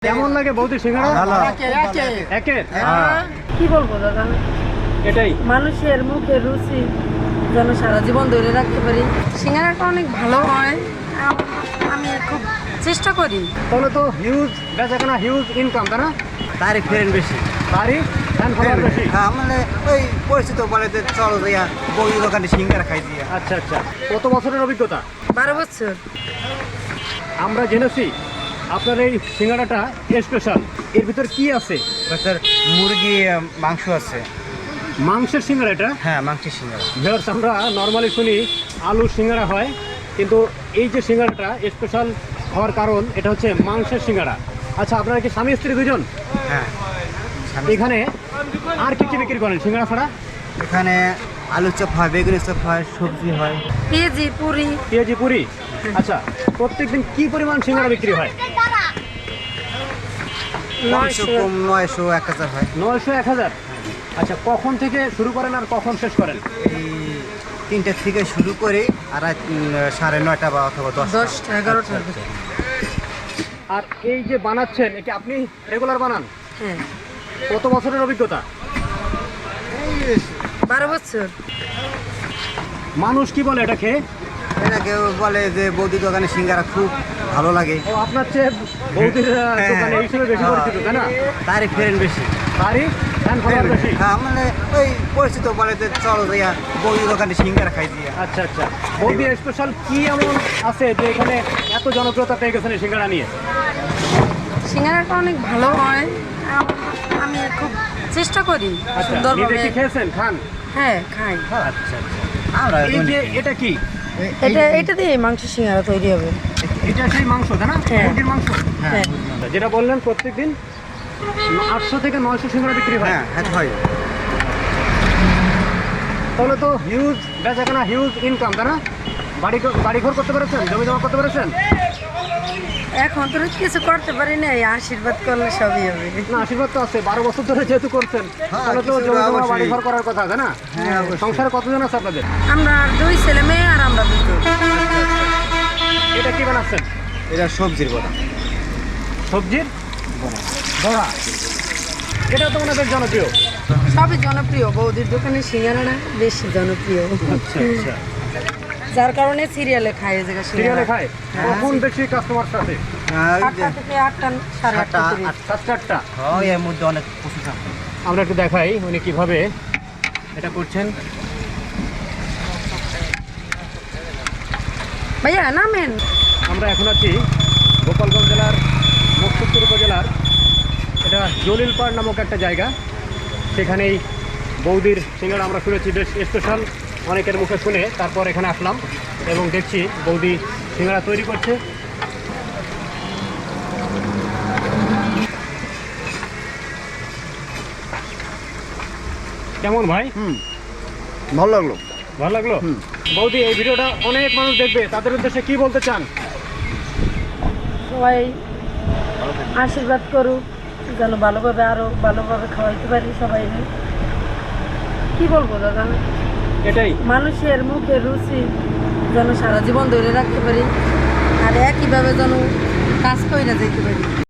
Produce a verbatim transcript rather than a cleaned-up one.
কেমন লাগে বৌদি সিঙ্গাড়া? ভালো। একের হ্যাঁ। কি বলবো দাদা, এটাই মানুষের মুখের রুচি যেন সারা জীবন ধরে রাখতে পারি। সিঙ্গারাটা অনেক ভালো হয়, আম- আমি খুব চেষ্টা করি। তাহলে তো হিউজ বেচাকেনা, হিউজ ইনকাম, তাই না? তারিখ ফেরেন বেশি। বাড়ি ফ্যান ফলোয়ার বেশি। হ্যাঁ, মানে ওই পরিচিত বলে যে চলো যাইয়া বই দোকানে সিঙ্গারা খাই দিয়া। আচ্ছা আচ্ছা, কত বছরের অভিজ্ঞতা? বারো বছর। আমরা জেনেছি আপনার এই সিঙ্গাড়াটা স্পেশাল। এর ভিতর কি আছে? স্যার মুরগি আহ, মাংস আছে। মাংসের সিঙ্গাড়া এটা? হ্যাঁ, মাংসের সিঙ্গারা। ভিউয়ার্স, আমরা নর্মালি শুনি আলুর সিঙ্গাড়া হয়, কিন্তু এই যে সিঙ্গাড়াটা স্পেশাল হওয়ার কারণ এটা হচ্ছে মাংসের সিঙ্গাড়া। আচ্ছা, আপনারা কি স্বামী স্ত্রী দুজন? হ্যাঁ। এখানে আর কি কি বিক্রি করেন সিঙ্গাড়া ছাড়া? এখানে আলু চপ হয়, বেগুনি চপ হয়, সবজি হয়। পেঁয়াজি পুরি। পেঁয়াজি পুরি। আচ্ছা, প্রত্যেকদিন কি পরিমাণ সিঙ্গাড়া বিক্রি হয়? নয়শো কম নয়শো এক হাজার হয়। নয়শো এক হাজার। আচ্ছা, কখন থেকে শুরু করেন আর কখন শেষ করেন? এই তিনটে থেকে শুরু করে আর রাত, উম, সাড়ে নয়টা বা অথবা দশটা। দশটা এগারোটা। আর এই যে বানাচ্ছেন, এটা আপনি রেগুলার বানান? হ্যাঁ, কত বছরের অভিজ্ঞতা? বারো বছর। মানুষ কি বলে এটা খেয়ে? এটা কেউ বলে যে বৌদি দোকানে সিঙ্গারা খুব ভালো লাগে। ও, আপনার চেয়ে বৌদির আহ, হ্যাঁ। দোকানে এই হিসেবে বেশি পরিচিত, তাই না? তারিখ ফেরেন বেশি। বাড়ি ফ্যান ফলোয়ার বেশি। হ্যাঁ, মানে ওই পরিচিত বলে যে চলো যাইয়া বৌদি দোকানে সিঙ্গারা খাই দিয়া। আচ্ছা আচ্ছা, বৌদি স্পেশাল কি এমন আছে যে এখানে এত জনপ্রিয়তা পেয়ে গেছেন এই সিঙ্গাড়া নিয়ে? সিঙ্গারাটা অনেক ভালো হয়, আম- আমি খুব চেষ্টা করি আচ্ছা, নিজে সুন্দরভাবে। কি খেয়েছেন? খান? হ্যাঁ, খাই। আচ্ছা আচ্ছা। আমরা এই যে এটা কি? এটা এটা দিয়ে মাংস সিঙ্গারা তৈরি হবে। এটা সেই মাংস, তাই না? হ্যাঁ। মুরগির মাংস। হ্যাঁ। যেটা বললেন প্রত্যেকদিন আটশো থেকে নয়শো সিঙ্গাড়া বিক্রি হয়। হ্যাঁ, হ্যাঁ হয়। তাহলে তো হিউজ বেচাকেনা, হিউজ ইনকাম, তাই না? বাড়ি বাড়ি ঘর করতে পেরেছেন? জমি জমা করতে পেরেছেন? এখন তো কিছু করতে পারি না, এই আশীর্বাদ করলে সবই হবে। না, আশীর্বাদ তো আছে। বারো বছর ধরে যেহেতু করছেন, হ্যাঁ, তাহলে তো কিছু জমি জমা অবশ্যই। বাড়ি ঘর করার কথা, তাই না? হ্যাঁ, অবশ্যই। সংসারে কতজন আছে আপনাদের? আমরা দুই ছেলে মেয়ে আর আমরা দুজন। এটা কি বানাচ্ছেন? এটা সবজির বড়া। সবজির বড়া। এটা তো মনে হয় বেশ জনপ্রিয়। সবই জনপ্রিয়, বৌদির দোকানে সিঙ্গারাটা বেশি জনপ্রিয়। আচ্ছা আচ্ছা, যার কারণে সিরিয়ালে খায় এই জায়গা সিরিয়ালে খায়। হ্যাঁ। কখন বেশি কাস্টমার সাথে? হ্যাঁ, ওই যে আটটা থেকে আটটা সাড়ে আটটা সাতটা, তিরিশ। আট- সাতটা আটটা। হয়, এর মধ্যে অনেক প্রচুর থাকে। আমরা একটু দেখাই উনি কিভাবে এটা করছেন। ভাইয়া নামেন। আমরা এখন আছি গোপালগঞ্জ জেলার মুকসুদপুর উপজেলার, এটা জলিলপাড় নামক একটা জায়গা। সেখানেই বৌদির সিঙ্গাড়া আমরা শুনেছি বেশ স্পেশাল, অনেকের মুখে শুনে তারপর এখানে আসলাম এবং দেখছি বৌদি সিঙ্গাড়া তৈরি করছে। কেমন ভাই? হুম, ভালো লাগলো। ভালো লাগলো? হুম। বৌদি, এই ভিডিওটা অনেক মানুষ দেখবে, তাদের উদ্দেশ্যে কি বলতে চান? সবাই আশীর্বাদ করুক যেন ভালোভাবে আরো ভালোভাবে খাওয়াইতে পারি সবাই। কি বলবো দাদা, এটাই মানুষের মুখের রুচি যেন সারা জীবন ধরে রাখতে পারি আর একইভাবে যেন কাজ করে যেতে পারি।